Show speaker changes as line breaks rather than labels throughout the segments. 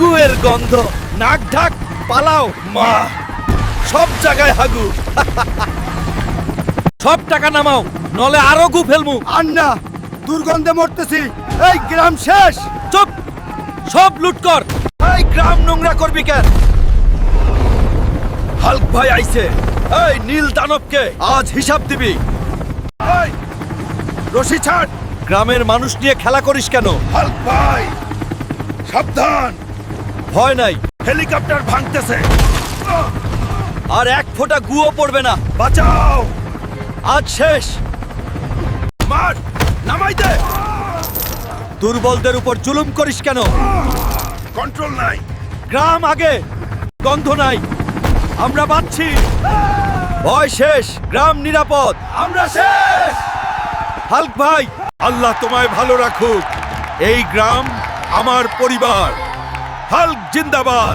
গুয়ের গন্ধ, নাক ঢাক, পালাও মা, সব জায়গায় হাগু। সব টাকা নামাও, নলে আরো গু ফেলমু।
আন্না দুর্গন্ধে মরতেছি, এই গ্রাম শেষ।
চুপ, সব লুট কর। এই গ্রাম নোংরা করবি কেন? হাল্ক ভাই আইছে। এই নীল দানবকে আজ হিসাব দিবি। এই রশি ছাড়। গ্রামের মানুষ নিয়ে খেলা করিস কেন?
হাল্ক ভাই সাবধান,
ভয় নাই,
হেলিকপ্টার ভাঙতেছে।
আর এক ফোঁটা গুও পড়বে না।
বাঁচাও,
আজ শেষ।
মার, নামাই দে।
দুর্বলদের উপর জুলুম করিস কেন?
কন্ট্রোল নাই।
গ্রাম আগে, গন্ধ নাই, আমরা বাঁচছি। ভয় শেষ, গ্রাম নিরাপদ,
আমরা শেষ।
হাল্ক ভাই, আল্লাহ তোমায় ভালো রাখুক। এই গ্রাম আমার পরিবার। হাল্ক জিন্দাবাদ।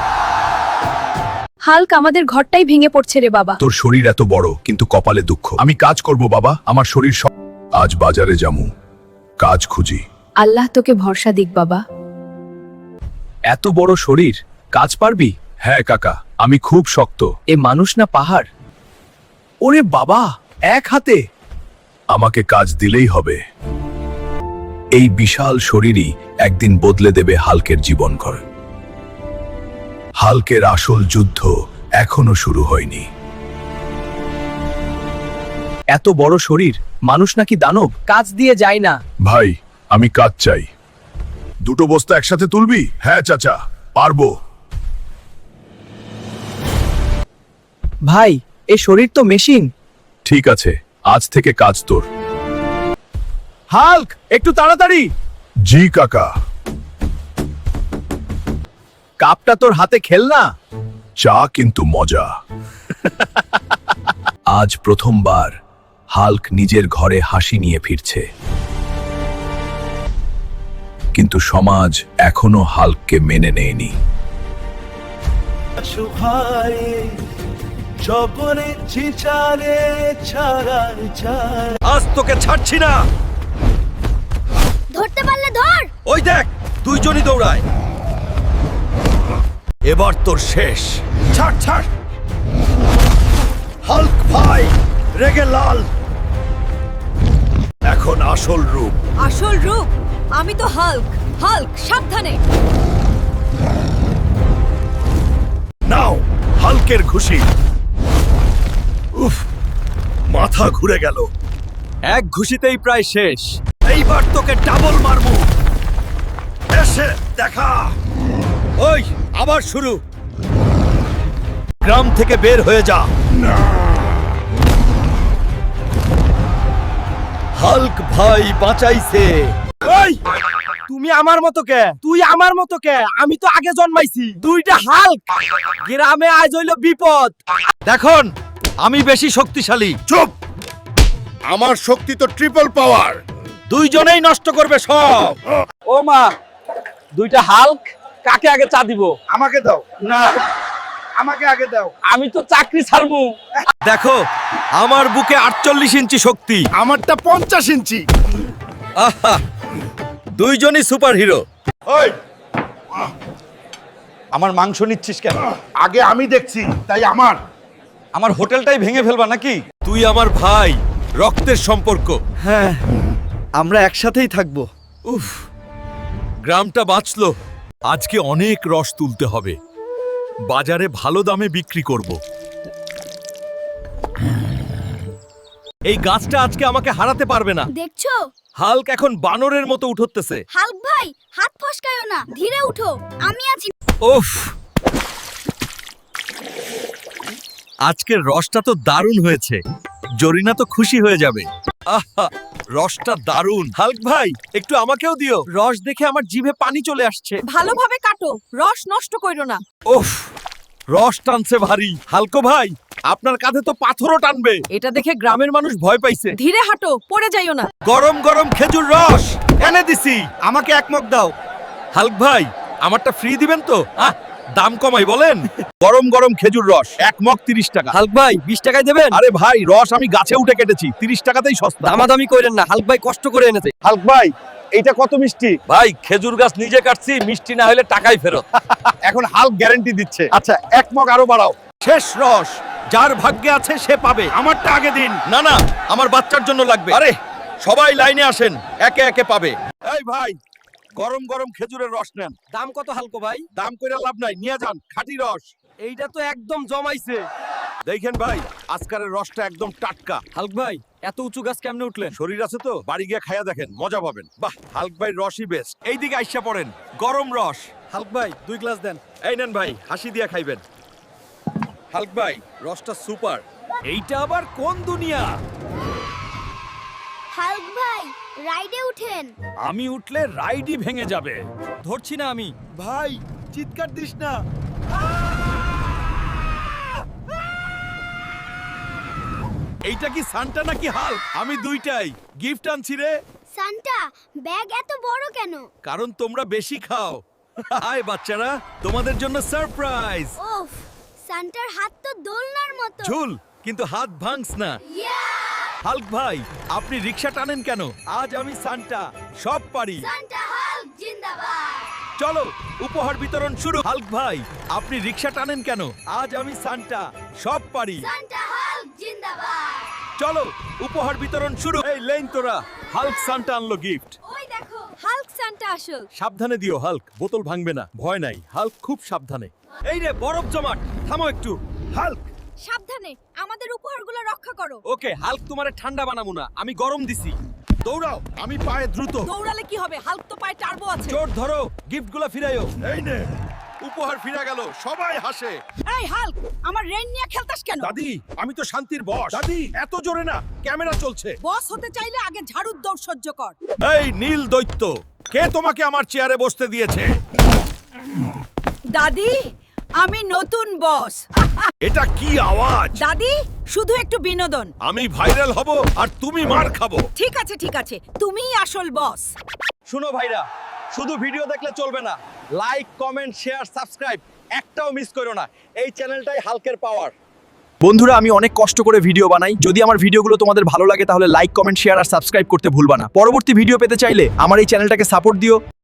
হাল্ক, আমাদের ঘরটাই ভেঙে পড়ছে রে বাবা।
তোর শরীর এত বড় কিন্তু কপালে দুঃখ। আমি কাজ করব বাবা, আমার শরীর সব। আজ বাজারে যামু, কাজ খুঁজি।
আল্লাহ তোকে ভরসা দিক বাবা।
এত বড় শরীর, কাজ পারবি? হ্যাঁ কাকা, আমি খুব শক্ত। এ মানুষ না পাহাড়। ওরে বাবা, এক হাতে। আমাকে কাজ দিলেই হবে। এই বিশাল শরীরই একদিন বদলে দেবে হাল্কের জীবনঘর। হাল্কের আসল যুদ্ধ এখনো শুরু হয়নি। এত বড় শরীর, মানুষ নাকি দানব? কাজ দিয়ে যায় না। ভাই, আমি কাজ চাই। দুটো বস্তা একসাথে তুলবি? হ্যাঁ চাচা, পারবো।
ভাই, এ শরীর তো মেশিন।
ঠিক আছে, আজ থেকে কাজ তোর।
হাল্ক, একটু তাড়াতাড়ি।
জি কাকা।
কাপটা তোর হাতে খেল না।
চা কিন্তু মজা। আজ প্রথমবার হাল্ক নিজের ঘরে হাসি নিয়ে ফিরছে, কিন্তু সমাজ এখনো হাল্ককে মেনে নেয়নি।
আজ তোকে ছাড়ছি না।
ধরতে পারলে ধর।
ওই দেখ, দুইজনই দৌড়ায়। এবার তোর শেষ।
ছাড় ছাড়। হাল্ক ভাই রেগে লাল।
এখন আসল রূপ।
আসল রূপ? আমি তো হাল্ক। হাল্ক, সাবধানে।
নাও হাল্কের খুশি। উফ, মাথা ঘুরে গেল। এক ঘুষিতেই প্রায় শেষ। এইবার তোকে ডাবল মারবো। এসে দেখা। ওই আবার শুরু। গ্রাম থেকে বের হয়ে যা। হাল্ক ভাই বাঁচাইছে।
ওই, তুমি আমার মতো কে? তুই আমার মতো কে? আমি তো আগে জন্মাইছি। দুইটা হাল্ক, গ্রামে আজ হইল বিপদ।
দেখুন, আমি বেশি শক্তিশালী।
চুপ, আমার শক্তি তো ট্রিপল পাওয়ার।
দুইজনেই নষ্ট করবে সব।
ও মা, দুইটা হাল্ক, কাকে আগে চা দিব?
আমাকে দাও। না, আমাকে আগে দাও।
আমি তো চাকরি ছাড়বো।
দেখো, আমার বুকে 48 ইঞ্চি শক্তি।
আমারটা 50 ইঞ্চি।
আহা, দুইজনই সুপার হিরো।
ওই,
আমার মাংস নিচ্ছিস কেন?
আগে আমি দেখছি, তাই আমার।
আমার হোটেলটাই ভেঙে ফেলবা নাকি? তুই আমার ভাই, রক্তের সম্পর্ক।
হ্যাঁ, আমরা একসাথেই থাকবো।
উফ, গ্রামটা বাঁচলো। আজকে অনেক রস তুলতে হবে, বাজারে ভালো দামে বিক্রি করব। এই গাছটা আজকে আমাকে হারাতে পারবে না।
দেখছো?
হাল্ক এখন বানরের মতো উঠতেছে।
হাল্ক ভাই, হাত ফসকায়ো না, ধীরে উঠো, আমি আছি।
উফ, আজকের রসটা তো দারুণ হয়েছে। জরিনা তো খুশি হয়ে যাবে। আহা, রসটা দারুণ। হাল্ক ভাই, একটু আমাকেও দিও।
রস দেখে আমার জিভে পানি চলে আসছে।
ভালোভাবে কাটো, রস নষ্ট কইরো না।
উফ, রস টানছে ভারী। হালকো ভাই, আপনার কাঁধে তো পাথরও টানবে।
এটা দেখে গ্রামের মানুষ ভয় পাইছে।
ধীরে হাঁটো, পড়ে যাইও না।
গরম গরম খেজুর রস এনে দিছি। আমাকে এক মগ দাও। হাল্ক ভাই, আমারটা ফ্রি দিবেন তো? দাম কমাই বলেন। গরম গরম খেজুর রস এক মগ 30 টাকা।
হাল্ক ভাই, 20 টাকায় দেবেন?
আরে ভাই, রস আমি গাছে উঠে কেটেছি, 30 টাকাতেই সস্তা।
দামাদামি কইরেন না, হাল্ক ভাই কষ্ট করে এনেছে।
হাল্ক ভাই, এইটা কত মিষ্টি?
ভাই খেজুর গাছ নিজে কাটছি, মিষ্টি না হলে টাকাই ফেরত।
এখন হাল্ক গ্যারান্টি দিচ্ছে। আচ্ছা, এক মগ আরো বাড়াও।
শেষ রস, যার ভাগ্যে আছে সে পাবে। আমারটা আগে দিন। না না, আমার বাচ্চার জন্য লাগবে। আরে সবাই লাইনে আসেন, একে একে পাবে। এই ভাই, গরম গরম খেজুরের রস নেন।
দাম কত হালকো ভাই?
দাম কইরা লাভ নাই, নিয়ে যান খাঁটি রস।
এইটা তো একদম জমাইছে।
দেখেন ভাই, আজকারের রসটা একদম টাটকা।
হালক ভাই, এত উঁচু গাছ কেমনে উঠলেন?
শরীর আছে তো, বাড়ি গিয়ে খাইয়া দেখেন, মজা পাবেন। বাহ, হাল্ক ভাই রসই বেস্ট। এইদিকে আইসা পড়েন, গরম রস।
হালক ভাই 2 গ্লাস দেন।
এই নেন ভাই, হাসি দিয়া খাইবেন। হাল্ক ভাই, রসটা সুপার। এইটা আবার কোন দুনিয়া?
হাল্ক ভাই রাইডে উঠেন।
আমি উঠলে রাইডই ভেঙে যাবে।
ধরছি না আমি।
ভাই চিৎকার দিস না। এইটা কি সান্টা নাকি হাল্ক? আমি দুইটাই। গিফট আনছি রে।
সান্টা ব্যাগ এত বড় কেন?
কারণ তোমরা বেশি খাও। হাই বাচ্চারা, তোমাদের জন্য সারপ্রাইজ।
ওফ, সান্টার হাত তো দোলনার মতো।
ঝুল, কিন্তু হাত ভাঙস না। হাল্ক ভাই, আপনি রিকশা টানেন কেন? আজ আমি সান্টা, সব পারি।
সান্টা হাল্ক জিন্দাবাদ।
চলো উপহার বিতরণ শুরু। হাল্ক ভাই, আপনি রিকশা টানেন কেন? আজ আমি সান্টা, সব পারি।
সান্টা হাল্ক জিন্দাবাদ।
চলো উপহার বিতরণ শুরু। এই লেন তোরা, হাল্ক সান্টা আনলো গিফট।
ওই দেখো।
হাল্ক সান্টা আসল।
সাবধানে দিও হাল্ক, বোতল ভাঙবে না। ভয় নাই, হাল্ক খুব সাবধানে।
এই রে বরফ জমাট, থামো একটু।
হাল্ক,
সাবধানে, আমাদের উপহারগুলো রক্ষা করো।
ওকে, হাল্ক তোমারে ঠান্ডা বানাবো না, আমি গরম দিছি।
দৌড়াও, আমি পায়ে দ্রুত।
দৌড়ালে কি হবে? হাল্ক তো পায়ে টার্বো আছে।
জোর ধরো, গিফটগুলো ফিরাইও।
এই নে, উপহার ফিরে গেল, সবাই হাসে।
এই হাল্ক, আমার রেন নিয়ে খেলতাস কেন?
দাদি, আমি তো শান্তির বস। দাদি, এত জোরে না, ক্যামেরা চলছে।
বস হতে চাইলে আগে ঝাড়ুর দৌড় সহ্য কর।
এই নীল দৈত্য, কে তোমাকে আমার চেয়ারে বসতে দিয়েছে?
দাদি, আমি নতুন বস।
এটা কি আওয়াজ?
দাদি, শুধু একটু বিনোদন।
আমি ভাইরাল হব আর তুমি মার খাবো।
ঠিক আছে ঠিক আছে, তুমিই আসল বস।
শুনো ভাইরা, শুধু ভিডিও দেখলে চলবে না। লাইক, কমেন্ট, শেয়ার, সাবস্ক্রাইব একটাও মিস করো না। এই চ্যানেলটাই হাল্কের পাওয়ার।
বন্ধুরা, আমি অনেক কষ্ট করে ভিডিও বানাই। যদি আমার ভিডিওগুলো তোমাদের ভালো লাগে তাহলে লাইক, কমেন্ট, শেয়ার আর সাবস্ক্রাইব করতে ভুলবা না। পরবর্তী ভিডিও পেতে চাইলে আমার এই চ্যানেলটাকে সাপোর্ট দিও।